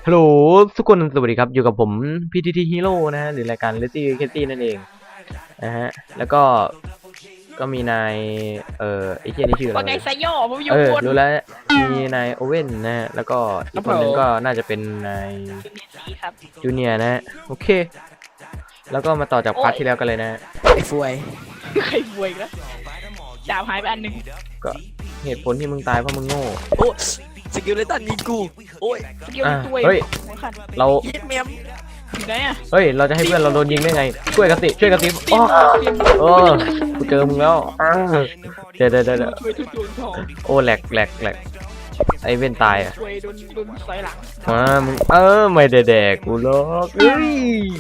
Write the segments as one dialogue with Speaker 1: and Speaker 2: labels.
Speaker 1: ฮัลโหลทุกคนสวัสดีครับอยู่กับผม PTT Hero นะฮะหรือรายการ Lazy Casey นั่นเองนะฮะแล้วก็มีนายไอ้เหี้ยนี่ชื่ออะไร
Speaker 2: ว่าไงไซโยผมอยู่บน
Speaker 1: รู้แล้วมีนายโอเว่นนะฮะแล้วก็อีกคนนึงก็น่าจะเป็นนาย
Speaker 2: สีครับ
Speaker 1: จูเนียร์นะฮะโอเคแล้วก็มาต่อจากพาร์ทที่แล้วกันเลยนะฮะ
Speaker 3: ไอ้ฟวย
Speaker 2: ใครบวยอีกแล้วดาบหายไปอันหนึ่ง
Speaker 1: ก็เหตุผลที่มึงตายเพราะมึงโง่
Speaker 3: โอ้สกิลเลตันยิงกูโอ้ย
Speaker 2: สกิลตัว
Speaker 1: เฮ้ย
Speaker 2: หัวขัน
Speaker 1: เรา
Speaker 3: ยิดเมม
Speaker 2: ถึงไหนอ่ะ
Speaker 1: เฮ้ยเราจะให้เพื่อนเราโดนยิงได้ไงช่วยกันสิอ๋อกูเจอมึงแล้วเดี๋ยว
Speaker 2: ช่วยทุกดวงทอง
Speaker 1: โอ้แหลกไอเว้นตายอ่ะ
Speaker 2: ช่วยโดนสอยหลัง
Speaker 1: มึงไม่ได้แดกกูหรอกเอ้ย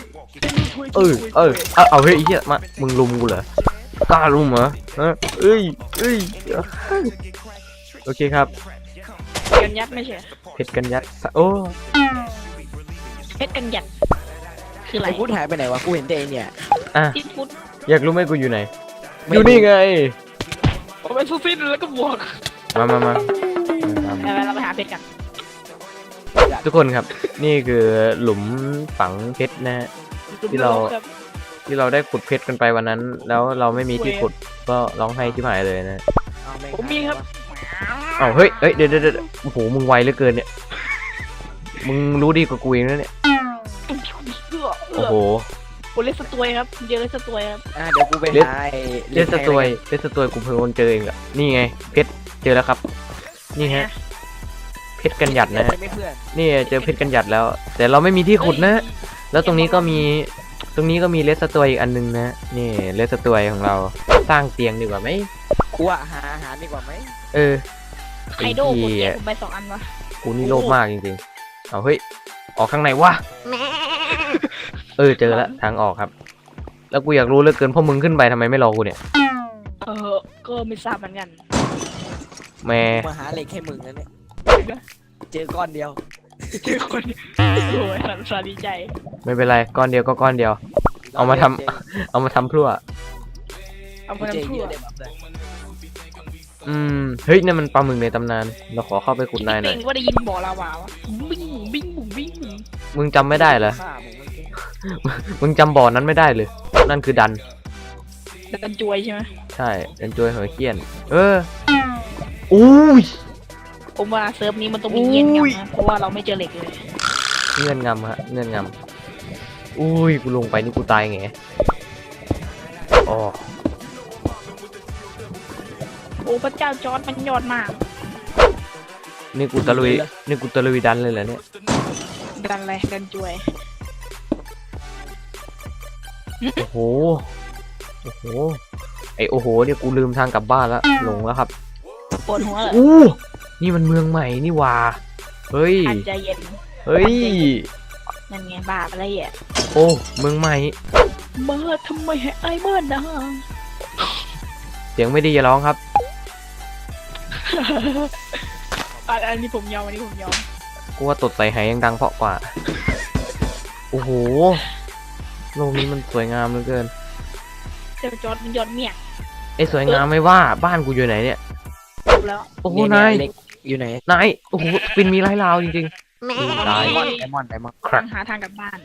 Speaker 1: เอาเฮ้ยไอ้เหี้ยมามึงลุมกูเหรอกล้าลุมเหรอเอ้ยโอเคครับ
Speaker 2: กันยัดไม่ใช่
Speaker 1: เพชรกันยัดโอ้
Speaker 2: เพชรกันยัดคืออะไร
Speaker 3: ไอ้พุทธหายไปไหนวะกูเห็นแต่ไอ้เนี่ย
Speaker 1: อ่ะ
Speaker 2: ที่ฟุต
Speaker 1: อยากรู้ไหมกูอยู่ไหน
Speaker 3: ไม่
Speaker 1: อยู่
Speaker 3: รู้
Speaker 1: นี่ไง
Speaker 2: ผมเป็นซูฟินแล้วก็บวก
Speaker 1: มา
Speaker 2: เราไปหาเพชรกัน
Speaker 1: ทุกคนครับนี่คือหลุมฝังเพชรนะฮะ ที่เรา ได้ขุดเพชรกันไปวันนั้น แล้วเราไม่มีที่ขุดก็ร้องไห้ที่หายเลยนะ
Speaker 3: เอาแง
Speaker 2: ผมมีครับ
Speaker 1: อ้าวเฮ้ยเดี๋ยวโอ้โหมึงไวเหลือเกินเนี่ยมึงรู้ดีกว่ากูเองนะเนี่ยโอ้โห
Speaker 2: โอเลสตวยครับเจอเลสตวยครับ
Speaker 3: เดี๋ยวกูไปหาไอ้
Speaker 1: เลสตวยกูเพิ่งเจอเองอะนี่ไงเพชรเจอแล้วครับ นี่ฮะเพชรกันหยัดนะฮะ
Speaker 3: ไม่เพื่อน
Speaker 1: นี่เจอเพชรกันหยัดแล้ว แต่เราไม่มีที่ขุดนะ แล้วตรงนี้ก็มีเลสตวยอีกอันนึงนะนี่เลสตวยของเราสร้างเตียงดีกว่าไหม
Speaker 3: กูอะหาอาหารดีกว่าไหม
Speaker 2: ไคโดหมดเนี่ยผมไป2 อันวะ
Speaker 1: กูนี่โลภมากจริงๆเอาเฮ้ยออกข้างในวะเจอแล้วทางออกครับ แล้วกูอยากรู้เหลือเกินพวกมึงขึ้นไปทำไมไม่รอกูเนี่ย
Speaker 2: ก็ไม่ทราบเหมือนกัน
Speaker 1: แม่
Speaker 3: มาหาเหล็กให้มึงนะเนี่ยเจอก้อนเดียว
Speaker 2: เจอคนโอ้ยสาดีใจ
Speaker 1: ไม่เป็นไรก้อนเดียวก็ก้อนเดียว เอามาทำพลั่ว
Speaker 2: เอา
Speaker 3: กู
Speaker 2: มา
Speaker 3: เจอ
Speaker 2: ทำ
Speaker 3: เย
Speaker 2: ทั่ว
Speaker 3: อะเลยแบบเลย
Speaker 1: เฮ้ยนั่นมันปลาหมึกในตำนานเราขอเข้าไปขุดนายหน่อย
Speaker 2: เองว่าได้ยินบ่อลาวาวะบิ้งบิ้งบุ๋งบิ้ง
Speaker 1: มึงจำไม่ได้เหรอ
Speaker 3: ฆ่ามึงไม่เก่ง
Speaker 1: มึงจำบ่อนั้นไม่ได้เลย นั่นคือดัน
Speaker 2: แต่กันจวยใช่ไหม
Speaker 1: ใช่เป็นจวยหัวเขี้ยนอุ้ย
Speaker 2: ผมว่าเซิร์ฟนี้มันต้องมีเงียนงับนะเพราะว่าเราไม่เจอเหล็กเลย
Speaker 1: เงื่อนงำฮะเงื่อนงำอุ้ยกูลงไปนี่กูตายไงอ๋อ
Speaker 2: โอ้พระเจ้าจอร์ดมันยอดมาก
Speaker 1: นี่กูตะลุยดันเลยเหรอเนี่ย
Speaker 2: ดันอะไรดันจวย
Speaker 1: โอ้โหไอโอ้โหเนี่ยกูลืมทางกลับบ้านแล้วหลงแล้วครับ
Speaker 2: ปวดหัวเหรอ
Speaker 1: นี่มันเมืองใหม่นี่หว่าเฮ้ย
Speaker 2: อาจจะเย็น
Speaker 1: เฮ้ย
Speaker 2: นั่นไงบาปอะไรอ่ะ
Speaker 1: โอ้เมืองใหม่
Speaker 2: มาทำไมให้ไอ้เบิร์ดนะ
Speaker 1: เสียงไม่ดีอย่าร้องครับ
Speaker 2: อันนี้ผมยอมอันนี้ผมยอม
Speaker 1: กูว่าตดใส่ไหยังดังเพราะกว่าโอ้โหโลกนี้มันสวยงามเหลือเกิน
Speaker 2: เจ้าจอร์ดมันยอดเมีย
Speaker 1: ไอ้สวยงามไม่ว่าบ้านกูอยู่ไหนเนี่ย
Speaker 2: จบแล้ว
Speaker 1: โอ้โห
Speaker 3: เย
Speaker 1: นาย
Speaker 3: เหล็กอยู่ไหน
Speaker 1: โอ้โหปินมีไร้ลาวจริงๆตาย
Speaker 3: ไดมอนด์
Speaker 1: ครับ
Speaker 2: หาทางกลับบ้าน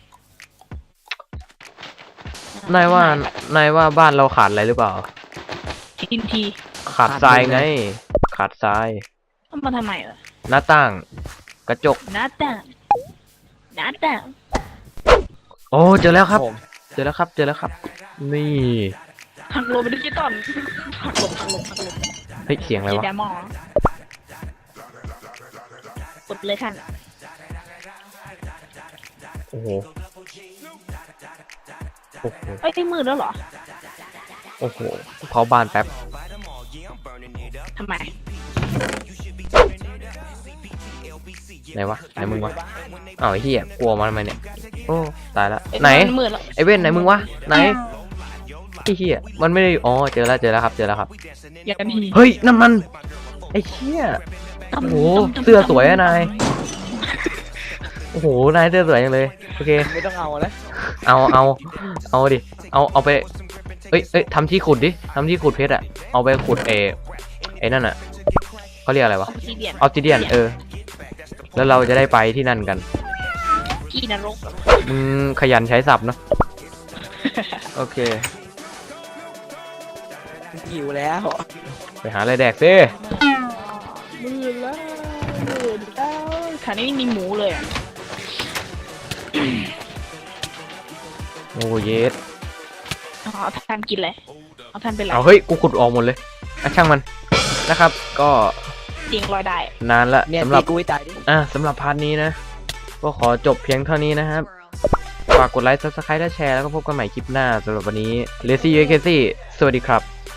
Speaker 1: นายว่าบ้านเราขาดอะไรหรือเปล่า
Speaker 2: ทินที
Speaker 1: ขาดทรายไง ขาดทราย
Speaker 2: ต้องมาทำไมเหรอ
Speaker 1: หน้าต่าง กระจก
Speaker 2: หน้าต่างหน้าต่าง
Speaker 1: โอ้เจอแล้วครับ
Speaker 3: ผม
Speaker 1: เจอแล้วครับ นี่
Speaker 2: หักลมเป็นดิจิตอลหักลม
Speaker 1: เฮ้ยเสียงอะไร
Speaker 2: เจ
Speaker 1: วะ
Speaker 2: ดามองกดเลยท่าน
Speaker 1: โอ้โห
Speaker 2: เอ้ยมืดแล้วเหรอ
Speaker 1: โอ้โหเผาบ้านแป๊บ
Speaker 2: ทำไม
Speaker 1: ไหนวะไหนมึงวะอ้าวไอ้เหี้ยกลัวมันทำไมเนี่ยโอ้ตายละ
Speaker 2: เอ้ย
Speaker 1: ไหน
Speaker 2: มัมืดแล้ว
Speaker 1: ไอ้เว้นไหนมึงวะไหนไอ้เหี้ยมันไม่ได้อ๋อเจอแล้วครับ
Speaker 2: อย่ากันที
Speaker 1: เฮ้ยนั่นมันไอ้เหี้ย โอ้โหเสื้อสวยอะนาย โอ้โหนายเสื้อสวยจังเลยโอเค
Speaker 3: ไม่ต้องเอาแล้ว
Speaker 1: เอาดิเอาไปเอ้ยทำที่ขุดดิทำที่ขุดเพชรอะเอาไปขุดไอ้นั่นอะเขาเรียกอะไรวะ
Speaker 2: ออฟซิเดียน
Speaker 1: ออฟซิเดียนแล้วเราจะได้ไปที่นั่นกัน
Speaker 2: ที่นรก
Speaker 1: มึงขยันใช้ศัพท์เนาะ โอเค
Speaker 3: หิวแล้ว
Speaker 1: ไปหาอะไรแดกซิ
Speaker 2: มืดแล้วมืดแล้วแถวนี้ไม่มีหมูเลยอะ
Speaker 1: โอ้เยส
Speaker 2: เอาท่านกินเลยเอาท่านเป็นไร
Speaker 1: เอาเฮ้ย กูขุดออกหมดเลยอ่ะช่างมันนะครับ ก็
Speaker 2: เสียงลอยได้
Speaker 1: นานละ
Speaker 3: เนี่ย
Speaker 1: สำหรับ
Speaker 3: ตีกูให้ตายดิ
Speaker 1: สำหรับพาร์ทนี้นะ ก็ขอจบเพียงเท่านี้นะครับ ฝากกดไลค์ Subscribe และแชร์ แล้วก็พบกันใหม่คลิปหน้าสำหรับวันนี้ Lazy UKC สวัสดีครับ